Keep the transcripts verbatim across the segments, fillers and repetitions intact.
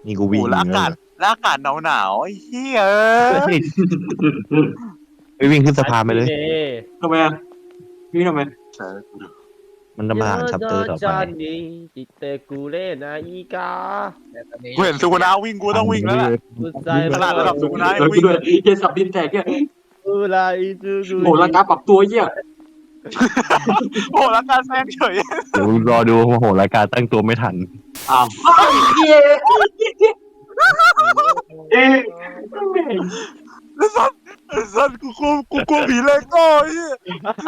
นี่กูโอ้โหวิ่งแล้วอากาศแล้วอากาศหนาวหนาวๆไอ้เหี้ยไปวิ่งขึ้นสะพานไปเลยทำไมอ่ะพี่ทำไมมันจะมาหาชัปเตอร์ต่อไปจิตเตกูเล่นะอีกากูเห็นสุกุนาวิ่งกูต้องวิ่งแล้วแหละกุใจขนาดระดับสุกุนาเออกูด้วยเฮียสับดินแตกเนี่ยอุไรจูกูโหร่างกายปรับตัวเฮียโอ้โหแล้วการแซงเฉยเดี๋ยวรอดูโหรายการตั้งตัวไม่ทันอ้าวเฮียเอ๊ะไอ้สัสไอ้สัสกูกลัวกูกลัวผีเลโก้ไอ้เหี้ย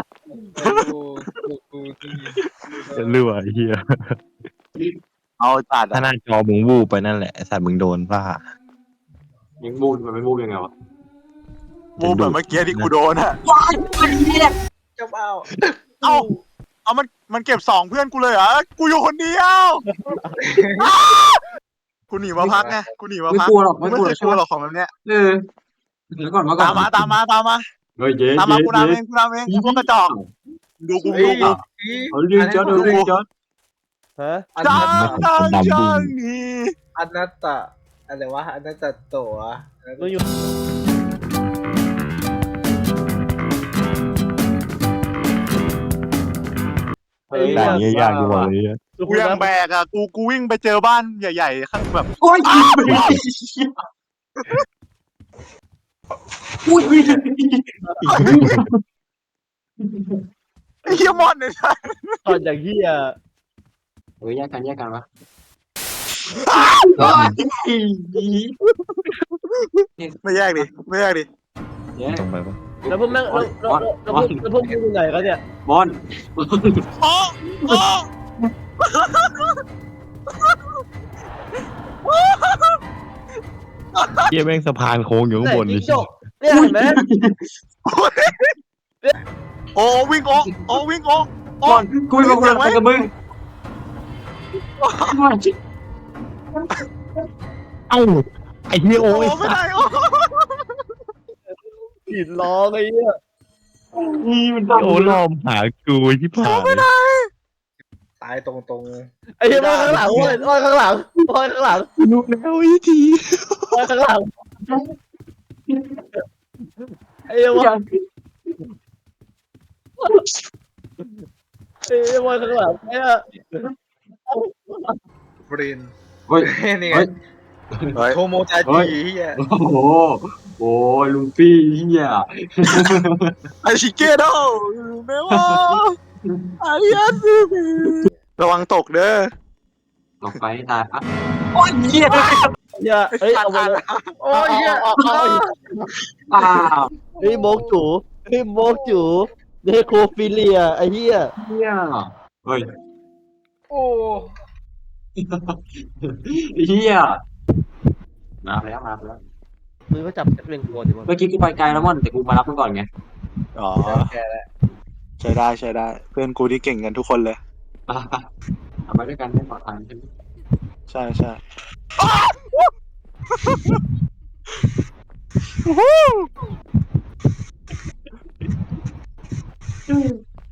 เรื่อยเฮียเอาจัดถ้าหน้าจอมึงวูบไปนั่นแหละไอ้สัตว์มึงโดนป่ะยังมูดมันไม่มูดยังไงวะมูแบบเมื่อกี้ที่กูโดนอะว้ายเฮียเจ้าเป้าเอาเอามันมันเก็บสองเพื่อนกูเลยเหรอกูอยู่คนเดียวกูหนีมาพักไงกูหนีมาไม่พักกลัวหรอกไม่ไม่เคกลัวยกลัวหรอกของแบบเนี้ยเออเดี๋ยวก่อนมาก่อนตามมาตามมาตามมาเฮ้ยเย้ตามมาเย้กูนำเองกูนำเองไอ้พวกกระจอกดูกูดูกูเฮ้ยเรื่องจอดเรื่องจอดฮะจ้างจ้างจ้างนี่อนัตตะอะไรวะอนัตตะโตะมึงอยู่ด่านนี้ยากจังเลยกูยังแบกอะกูกูวิ่งไปเจอบ้านใหญ่ๆข้างแบบโอ้ยอุ้ยไอ้เหี้ยมอนเนี่ยตอนอย่างเหี้ยเฮ้ยแยกกันแยกกันวะไม่แยกดิไม่แยกดิแยกตรงไปปะแล้วพวกแม่งแล้วแล้วแล้วพวกแล้วพวกมึงอยู่ไหนกันเนี่ยบอลโอ้โอ้เฮียแม่งสะพานโค้งอยู่ข้างบนไหนนี่จิ้งจกเนี่ยเห็นไหมโอ้วิ่งโอ้โอ้วิ่งโอ้บอลกูไม่มาคุยอะไรกับมึงเอ้าไอ้เฮียโอ้โอ้ยไม่ได้โอ้หินร้องไอ้เหี้ยนี่มันโอ้ล้อมหากูที่ผ่านตายตรงตรงไอ้เหี้ยมาข้างหลังโอ้ยโอ้ยข้างหลังโอ้ยข้างหลังลูกแล้วอีทีโอ้ยข้างหลังไอ้เหี้ยวะไอ้เหี้ยวะข้างหลังไอ้เหี้ยบรินเฮ้ยนี่ไงเฮ้ยโทโมจาจิเฮียโอ้โหโอ้ยลุงฟี่เฮียไอชิเกโดเมวะไอ้ยันระวังตกเด้อลงไปตายอ่ะโอ้ยเฮียเหี้ยเฮ้ยเอาไปเลยโอ้ยเฮียเอาเอาเอาอ้าวเฮ้ยโมกจูเฮ้ยโมกจูเดโคฟิเลียไอ้เหี้ยเฮียเฮ้ยโอ้เฮียมาแล้วมาแล้วมึงก็จับเล่นกวนดิมั้งเมื่อกี้กูไปไกลแล้วม่อนแต่กูมารับมึงก่อนไงอ๋อแกแล้วใช้ได้ใช้ได้ เพื่อนกูที่เก่งกันทุกคนเลยทำไปด้วยกันไม่ปลอดภัยใช่ไหมใช่ใช่